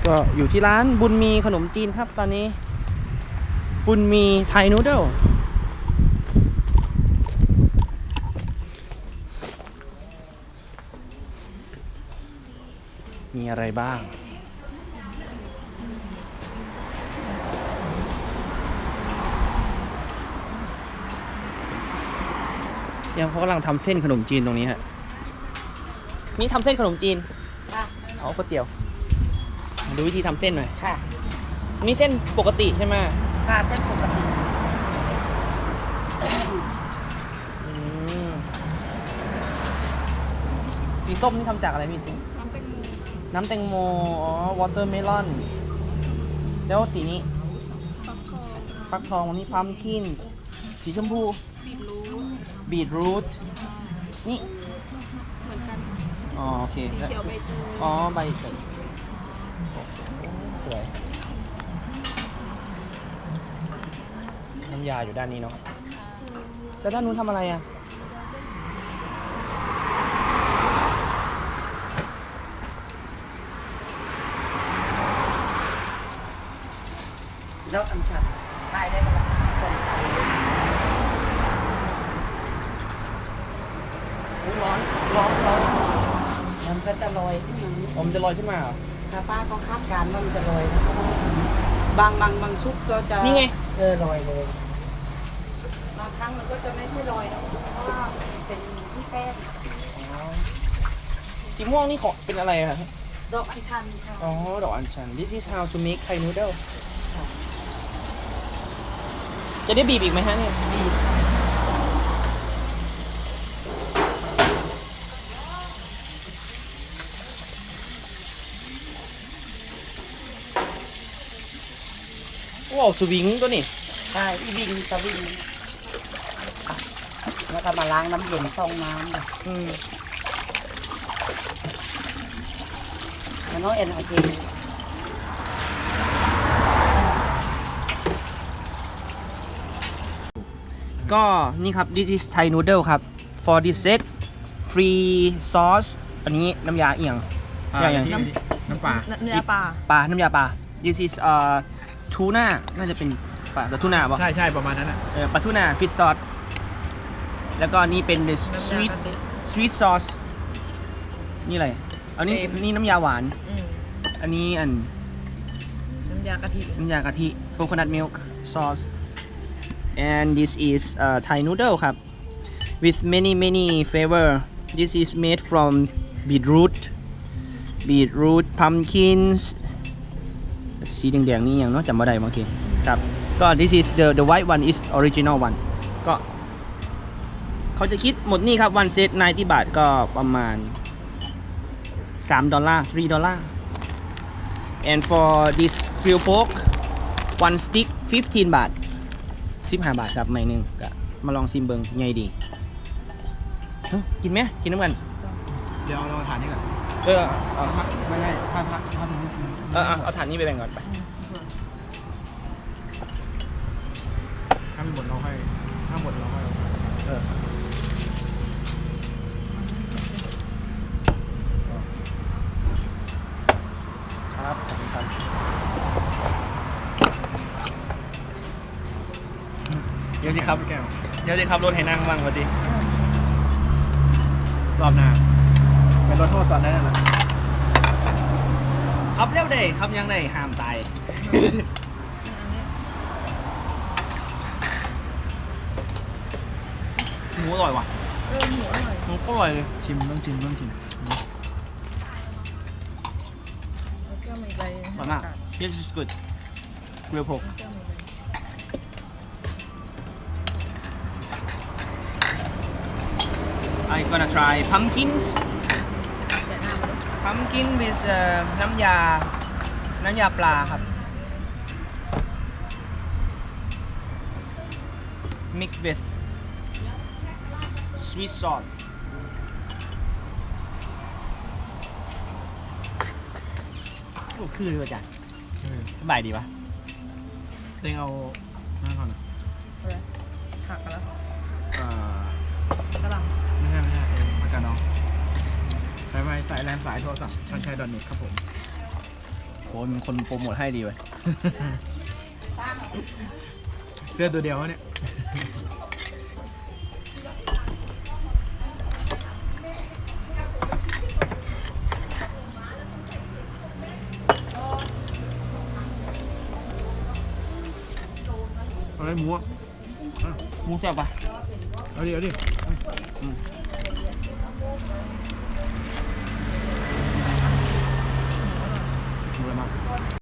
ก็อยู่ที่ร้านบุญมีขนมจีนครับตอนนี้บุญมีไทยนูเดิลมีอะไรบ้างยังเขากำลังทำเส้นขนมจีนตรงนี้ฮะนี่ทำเส้นขนมจีนเอาก๋วยเตี๋ยวดูวิธีทำเส้นหน่อยค่ะนี่เส้นปกติใช่ไหมค่ะเส้นปกติสีส้มนี่ทำจากอะไรพี่ติ๊งน้ำแตงโมอ๋อวอเตอร์เมลอนแล้วสีนี้ฟักทองนี่พัมคินส์สีชมพูบีทรูทนี่เหมือนกันอ๋อโอเคสีเขียวใบเตยอ๋อใบเตยสวยน้ำยาอยู่ด้านนี้เนาะแล้วด้านนู้นทำอะไรอ่ะแล้วอันชันได้ได้มาคนใจร้อนร้อนร้อนมันก็จะลอยขึ้นมาผมจะลอยขึ้นมาเหรอถ้าป้าก็คาดการณ์ว่ามันจะลอยบางซุปก็จะนี่ไงลอยเลยบางครั้งมันก็จะไม่ใช่ลอยนะเพราะว่าเป็นที่แป้งสีม่วงนี่ของเป็นอะไรครับดอกอัญชันค่ะอ๋อดอกอัญชัน This is how to make Thai noodle จะได้บีบอีกไหมฮะเนี่ยบีบว้าวสวิงตัวนี้ใช่วิ่งสวิงแล้วก็มาล้างน้ำเย็นซองน้ำแล้วน้องเอ็นโอเคก็นี่ครับ this is Thai noodle ครับ for this set free sauce อันนี้น้ำยาเอียงน้ำปลาน้ำยาปลาน้ำยาปลา this isทูน่าน่าจะเป็นปลาทูน่าป่ะใช่ประมาณนั้นอ่ะปลาทูน่าฟิชซอสแล้วก็นี่เป็น sweet sauce นี่อะไรอันนี้นี่น้ำยาหวานอันนี้น้ำยากะทิ coconut milk sauce and this is Thai noodle ครับ with many flavor this is made from beetroot pumpkins สีแดงๆนี่ยังเนาะจำไม่ได้บางทีครับก็ this is the white one is original one ก็เขาจะคิดหมดนี่ครับ1 set 90 บาทก็ประมาณ$3 $3 and for this grilled pork one stick 15 บาท15 บาทครับไม่นึงก็มาลองชิมเบิงไงดีกินไหมกินน้ำกันเดี๋ยวเราถ่านนี่ก่อนไม่ถ้าเอาถ่านนี้ไปแบ่งก่อนไปถ้าไม่หมดเราให้ครับขอบคุณครับเดี๋ยวสิครับรถให้นั่งบ้างพอดีรอบหน้าเป็นรถโทษตอนนั้นแหละครับเร็วได้ครับยังได้ห้ามตายหมูอร่อยว่ะหมูอร่อยหมูก็อร่อยเลยต้องชิมแล้วก็มีใบอร่อยมาก This is good grilled pork I'm gonna try pumpkin with น้ำยาปลาครับ mix with sweet sauce คือเลยจ้ะสบายดีปะเต็งเอานั่นก่อนผักกันแล้วกระหล่ำไม่ใช่มากันน้องสายแลนสายโทรศัพท์ชันชัยดอนเน็ตครับผมโหมีคนโปรโมทให้ดีเว้ยเสื้อตัวเดียววะเนี่ย อะไรหมูอ่ะหมูแซ่บปะเอาดิเอาดิหมูอะไรมาก